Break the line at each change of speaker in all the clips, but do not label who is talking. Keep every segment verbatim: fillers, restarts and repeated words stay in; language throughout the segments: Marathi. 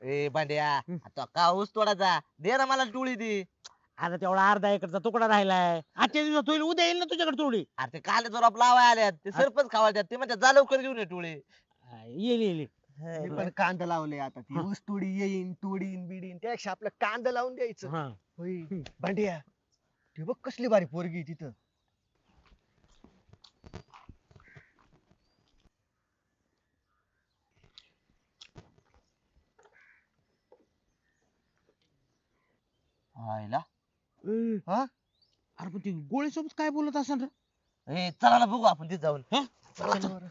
ए भांड्या
हं.
आता का ऊस तोडायचा दे ना मला टोळी दे.
आता तेवढा अर्धा एकरचा तुकडा राहिलाय, आजच्या दिवसात होईल, उद्या येईल ना तुझ्याकडे थोडी.
अरे ते काले जोरात लावाय आल्यात ते सरपंच खावायच्यात ते म्हणतात जा लवकर घेऊन ये टोळी.
येईल येईल.
मी पण कांदा लावले आता ती
हा.
ऊस तोडी येईन तोडीन बिडीन त्यापेक्षा आपलं कांदा लावून द्यायचं.
हा.
होय भांड्या ते बघ कसली भारी पोरगी आहे तिथं.
हायला
ए,
हा
अरे पण ती गोळी सोबत काय बोलत असेल रे?
ए चला ना बघू आपण तिथे जाऊन.
हा?
चल बरं.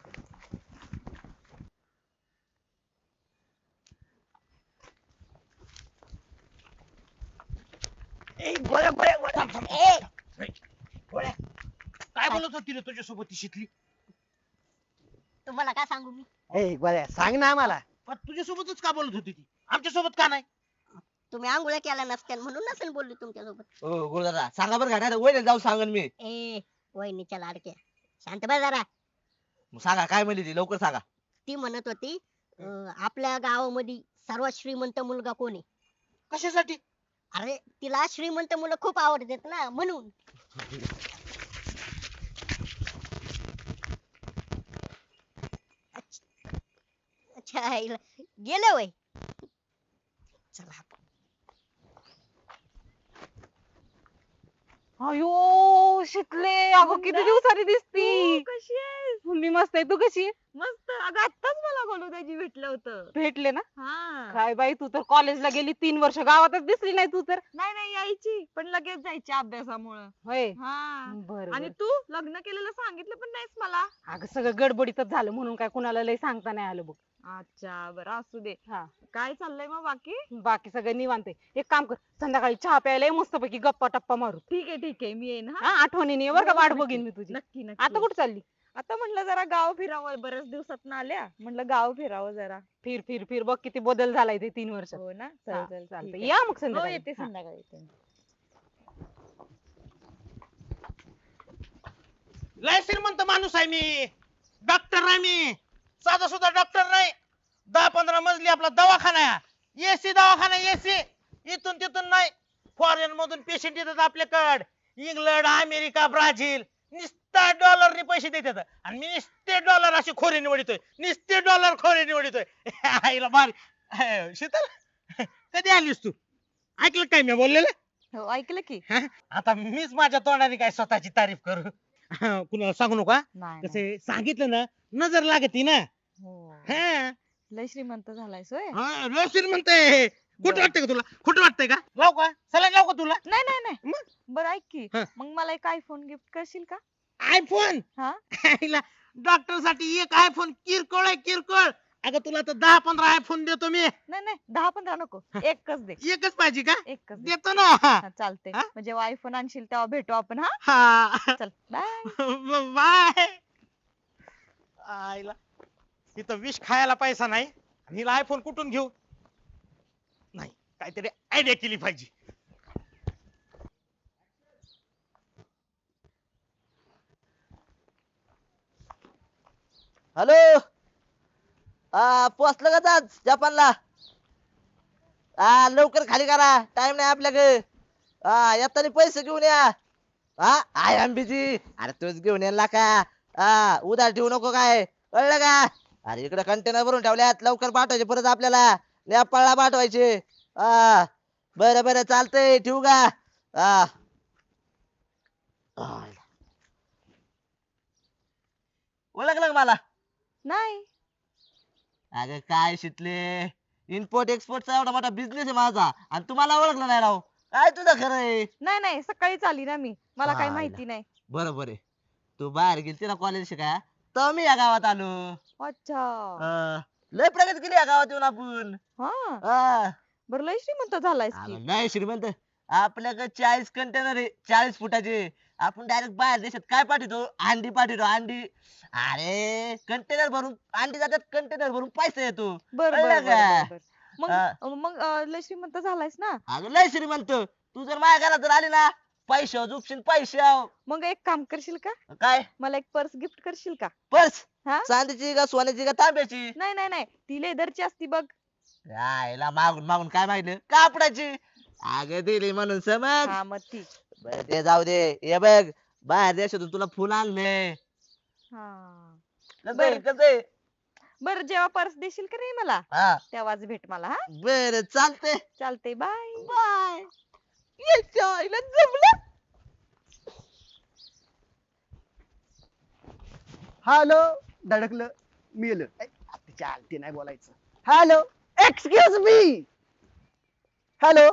ए, गोळ्या, गोळ्या, गोळ्या. थांब, थांब, थांब. ए, गोळ्या. काय बोलत होती रे तुझ्यासोबत ती शिकली?
तुम्हाला काय सांगू मी?
ए गोळ्या सांग ना आम्हाला.
पण तुझ्यासोबतच का बोलत होती ती, आमच्या सोबत का नाही?
तुम्ही आंघोळ्या केल्या नसत्या म्हणून नसेल बोलली तुमच्यासोबत.
ओ गुरुदादा सांगा बरं का नाही वय जाऊ सांगन मी.
ए वहिनीच्या लाडक्या शांत बस जरा.
मग सांगा काय म्हणली ती लवकर सांगा.
ती म्हणत होती अं, आपल्या गावामध्ये सर्वात श्रीमंत मुलगा कोण आहे?
कशासाठी?
अरे तिला श्रीमंत मुलं खूप आवडतात ना म्हणून. अच्छा अच्छा, आईला. गेले वय. चला आपण.
अयो शिकले अगं किती दिवसांनी दिसती.
कशी आहेस?
मी मस्त आहे, तू कशी आहे?
मस्त. अगं आत्ताच मला गोलूदाजी भेटलं होतं.
भेटले ना?
हा.
काय बाई तू तर कॉलेजला गेली तीन वर्ष, गावातच दिसली नाही तू तर.
नाही नाही यायची पण लगेच जायची अभ्यासामुळं.
होय.
हा.
बर
आणि तू लग्न केलेलं सांगितलं पण नाहीस मला.
अगं सगळं गडबडीतच झालं म्हणून काय कुणाला लय सांगता नाही आलं बघ.
अच्छा बरं असू दे.
हा.
काय चाललंय मग बाकी?
बाकी सगळं निवांत आहे. एक काम कर, संध्याकाळी चहा प्यायला मस्त पैकी गप्पा टप्पा मारू.
ठीक आहे ठीक आहे मी येईन हा.
हा आठवणीने ये बरं का,
हो,
वाट
नक्की.
बघीन मी तुझी.
नक्की नक्की.
आता कुठे चालली?
आता म्हटलं जरा गाव फिरावं, बऱ्याच दिवसात आल्या म्हटलं गाव फिरावं जरा.
फिर फिर फिर बघ किती बदल झालाय ते तीन वर्षात.
हो ना.
हा,
चल चल
चालतंय.
ठीक आहे.
या मग
हो
संध्याकाळी.
येते
हा.
संध्याकाळी येते.
लय श्रीमंत माणूस आहे मी, डॉक्टर आहे मी, साधा सुद्धा डॉक्टर नाही. दहा पंधरा मजली आपला दवाखाना आहे, एसी दवाखाना, एसी. इथून तिथून नाही, फॉरेन मधून पेशंट येतात आपल्याकडे, इंग्लंड अमेरिका ब्राझील, निस्ता डॉलरने पैसे देतात आणि मी निस्ते डॉलर असे खोरे निवडतोय, निस्ते डॉलर खोरे निवडतोय. आईला भारी. अह, शीतल कधी आलीस तू? ऐकलं काय मी बोललेलं?
हो ऐकलं की.
हा? आता मीच माझ्या तोंडाने काय स्वतःची तारीफ करू? हा, कुणाला सांगू नका.
नाही नाही.
कसे सांगितलं ना नजर लागती ना.
हो.
हा.
लय श्रीमंत झालायस होय.
हा, लय श्रीमंत आहे. खोटं वाटतंय का तुला? खोटं वाटतंय का? लाव का सला लाव का तुला?
नाही नाही नाही.
मग?
बरं ऐक की
हा.
मग मला एक आयफोन गिफ्ट करशील का?
आयफोन?
हा.
डॉक्टर साठी एक आयफोन किरकोळ आहे किरकोळ. अगं तुला तर दहा पंधरा आयफोन देतो मी.
नाही नाही दहा पंधरा नको, एकच दे.
एकच पाहिजे का?
एकच दे.
देतो ना.
हा, चालतंय.
हा?
म्हणजे आयफोन आणशील तेव्हा भेटू आपण. हा
हा.
चल बाय.
बाय. आईला इथं विष खायला पैसा नाही आणि हिला आयफोन कुठून घेऊ? नाही काहीतरी आयडिया केली पाहिजे.
हॅलो हा पोचलं का आज जपानला? हा लवकर खाली करा टाइम नाही आपल्याकडे. हा येताना पैसे घेऊन या. हा आय एम बिझी. अरे तूच घेऊन येणार का? हा उधार ठेवू नको काय कळलं का? अरे इकडे कंटेनर भरून ठेवल्यात लवकर पाठवायचे परत आपल्याला नेपाळला पाठवायचे. हा बरं बरं चालतंय ठेवू का? हा ओळखलं का मला?
नाही.
अगं काय शिकले इम्पोर्ट एक्सपोर्टचा एवढा मोठा बिझनेस आहे माझा आणि तुम्हाला ओळखलं नाही राव. काय तुझं खरं आहे?
नाही नाही सकाळीच आली ना मी, मला काही
आयला.
माहिती नाही.
बरोबर आहे. तू बाहेर गेलती ना कॉलेज शिकाय तर मी या गावात आलो.
अच्छा.
अं, लय प्रगती केली या गावात येऊन आपण.
हा
हा.
बरं लय श्रीमंत झालायस
अगं,
की.
नाही श्रीमंत आपल्याकडे चाळीस कंटेनर आहे चाळीस फुटाचे. आपण डायरेक्ट बाहेर देशात काय पाठवतो अंडी पाठवतो अंडी. अरे कंटेनर भरून अंडी जातात कंटेनर भरून पैसा येतो.
बर
कळलं
बर
का?
बर मग
हा.
मग अं, लय श्रीमंत झालायस ना.
अगं लय श्रीमंत. तू जर माझ्या घरात जर आली ना पैसे झुपशील पैसे.
मग एक काम करशील का,
काय
मला एक पर्स गिफ्ट करशील का?
पर्स?
हा
चांदीची का सोन्याची का तांब्याची?
नाही नाही नाही ती लेदरची असती बघ.
यायला मागून मागून काय माहिती कापडाची अगं दिली म्हणून समज.
हा मग ठीक.
बरं ते जाऊ दे. हे बघ बाहेर देशातून तुला फुल आणले.
हा
कसं
बरं.
कसं
बर जेव्हा पर्स देशील का नाही मला
हा
तेव्हाच भेट मला हा.
बर चालतंय.
चालते बाय.
बाय. याच्या आईला जमलं.
हॅलो धडकलं मेलं ऐ, तिच्या आलती नाही बोलायचं. Hello excuse me. हॅलो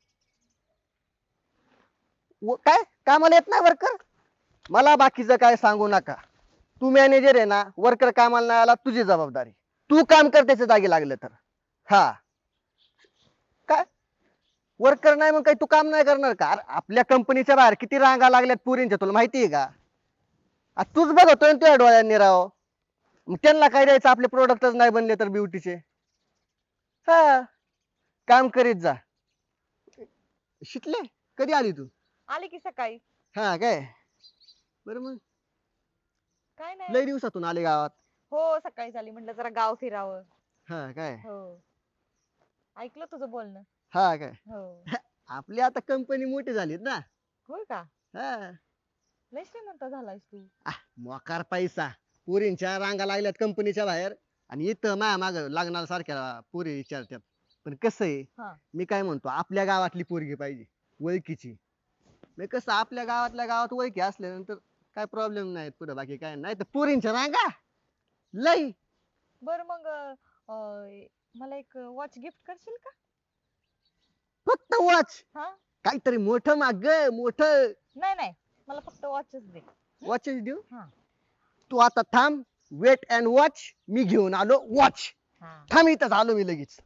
काय कामाला येत नाही वर्कर. मला बाकीचं काय सांगू नका. तू मॅनेजर आहे ना, वर्कर कामाला नाही आला तुझी जबाबदारी. तू काम कर त्याच्या जागी लागलं तर. हा काय वर्कर नाही मग काही तू काम नाही करणार का? अरे आपल्या कंपनीच्या बाहेर किती रांगा लागल्यात पुरींच्या तुला माहिती आहे का? आ, तूच बघतोय ना तुझ्या डोळ्यांनी राव. मग त्यांना काय द्यायचं आपले प्रोडक्टच नाही बनले तर ब्युटीचे. हा काम करीत जा. शिकले कधी आली तू?
आले की सकाळी.
हा काय बरं मग
काय नाही.
लय दिवसातून आले गावात.
हो सकाळी झाली म्हटलं जरा गाव फिरावं.
हा काय
हो ऐकलं तुझं बोलणं.
हा काय
हो
आपली आता कंपनी मोठी झालीत ना.
होय का
हा
लय श्रीमंत झालायस तू.
आ, मोकार पैसा. पोरींच्या रांगा लागल्यात कंपनीच्या बाहेर आणि इथं माया माग लागणार सारख्या पोरी विचारतात. पण कसं आहे
हा
मी काय म्हणतो आपल्या गावातली पोरगी पाहिजे ओळखीची. मग कसं आपल्या गावातल्या गावात ओळखी असल्यानंतर काय प्रॉब्लेम नाही पुढे बाकी काय नाही तर पोरींच्या रांगा लई.
बर मग अं, मला एक वॉच गिफ्ट करशील का?
फक्त वॉच
हा
काहीतरी मोठं माग मोठं
नाही नाही मला फक्त वॉचच दे.
वॉचेस देऊ.
हा
तू आता थांब वेट अँड वॉच मी घेऊन आलो वॉच.
हा
थांब इथंच आलो मी लगेच.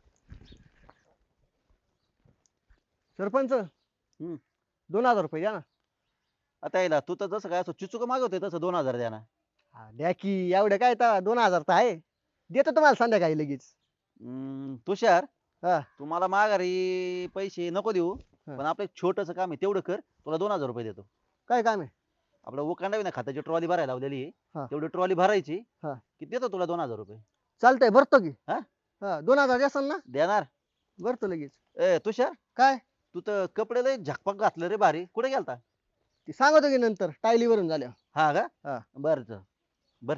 सरपंच दोन हजार रुपये द्या ना.
आता यायला तू तर जसं काय असं चिचुक मागवतोय तसं दोन हजार द्या ना.
हा, द्या की एवढं काय तर दोन हजार तर आहे. देतो तुम्हाला संध्याकाळी लगेच.
हम्म, तुषार
हा
तुम्हाला माघारी पैसे नको देऊ
हा.
पण आपलं एक छोटस काम आहे तेवढं कर तुला दोन हजार रुपये देतो.
काय काम आहे?
आपलं उकांडा ना खात्याची ट्रॉली भरायला लावलेली
हा.
आहे तेवढी ट्रॉली भरायची
हा.
की देतो तुला दोन हजार रुपये.
चालतंय भरतो की.
हा?
हा दोन हजार द्याल ना.
देणार.
भरतो लगेच.
ए तुषार
काय
तू तर कपडे लय झकपक घातलं रे भारी कुठे गेलता?
ते सांगतो की नंतर टायली वरून झाल्या.
हा का
हा.
बर बर.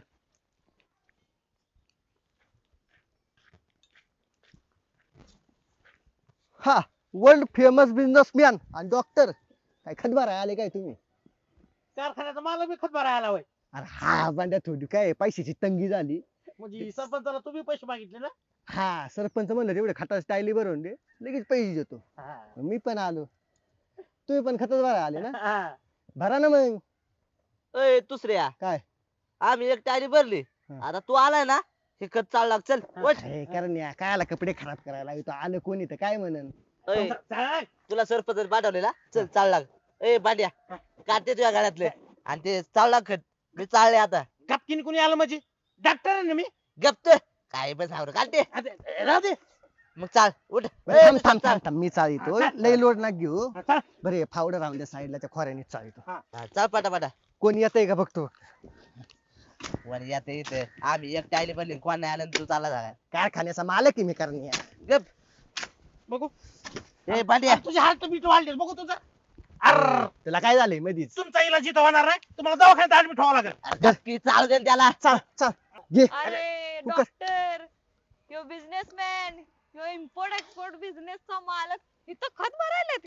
हा वर्ल्ड फेमस बिझनेसमॅन आणि डॉक्टर काय खतबारा आले काय तुम्ही?
कारखान्याचा मला बी खत भरायला हवाय.
अरे हा बांड्या थोडी काय पैशाची तंगी झाली.
म्हणजे सरपंचाला तुम्ही पैसे मागितले ना.
हा सरपंच म्हणलं तेवढे खताची टायली भरून दे लगेच पैसे देतो. मी पण आलो. तुम्ही पण खतच भरा आले ना.
हा.
भरा ना मग.
अय दुसऱ्या
काय
आम्ही एक टाळी भरली.
हा.
आता तू आलाय ना हे खत चाल लाग चल वट.
अरे करण्या कायला कपडे खराब करायला इथं आलं कोणी तर काय म्हणन.
अय,
चाल.
तुला सरपंच पाठवलेला चल चाल लाग. ए बांड्या काढते तुझ्या गाड्यातले आणि ते चाल लाग खत. मी चालले आता.
गपकीने कोणी आलं म्हणजे डॉक्टर आहे ना मी.
गप्त काय पण सावर काढते
अरे, राहू दे.
मग चाल उठ.
बरं, थांब
ए,
थांब
चाल.
थांब थांब मी चालितो लई लोड ना घेऊ.
हा, चाल.
बरे फावडं राहून द्या साईडला त्या खोऱ्याने चालितो.
हा, चाल पाटा पाटा
कोण येतंय का बघतो.
वर येते इथे आम्ही एक टायली भरली कोण नाही आलं आणि तू चालला झाला
कारखान्याचा मालक आहे मी करण्या.
गप.
बघू
ए बांड्या
तुझे हात बीट वाढले बघू तुझं. अर
तुला काय झालंय मधीच?
तुमचा इलाज इथं होणार नाही तुम्हाला दवाखान्यात ऍडमिट व्हावं लागेल.
गप्पी चालू दे ना त्याला.
चल चल घे.
अरे
तू कस-
डॉक्टर यो बिझनेसमॅन यो इम्पोर्ट एक्सपोर्ट बिझनेसचा मालक इथं खत भरायला.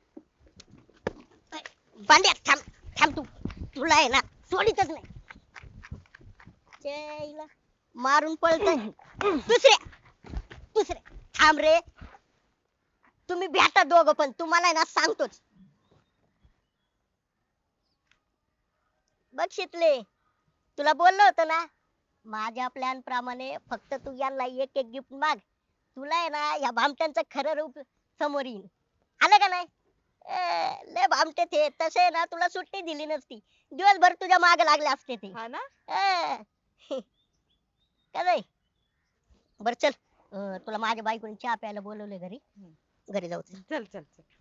बांड्या थांब थांब तू तुला आहे ना सोडीतच नाही. चैला मारून पळतय. दुसऱ्या दुसऱ्या थांब रे. तुम्ही भेटा दोघं पण तुम्हाला आहे ना सांगतोच. बघ शितले तुला बोललो होतं ना माझ्या प्लॅन प्रमाणे फक्त तू यांना एक एक गिफ्ट माग. तुला आहे ना या भामट्यांचं खरं रूप समोर येईल. आलं का नाही? ए, लय भामटे ते तसे आहे ना तुला सुट्टी दिली नसती. दिवसभर तुझ्या मागे लागले असते ते.
हा ना
ए, काय नाही. बर चल अं, तुला माझ्या बायकोने चहा प्यायला बोलवले घरी. घरी जाऊ चल.
चल चल चल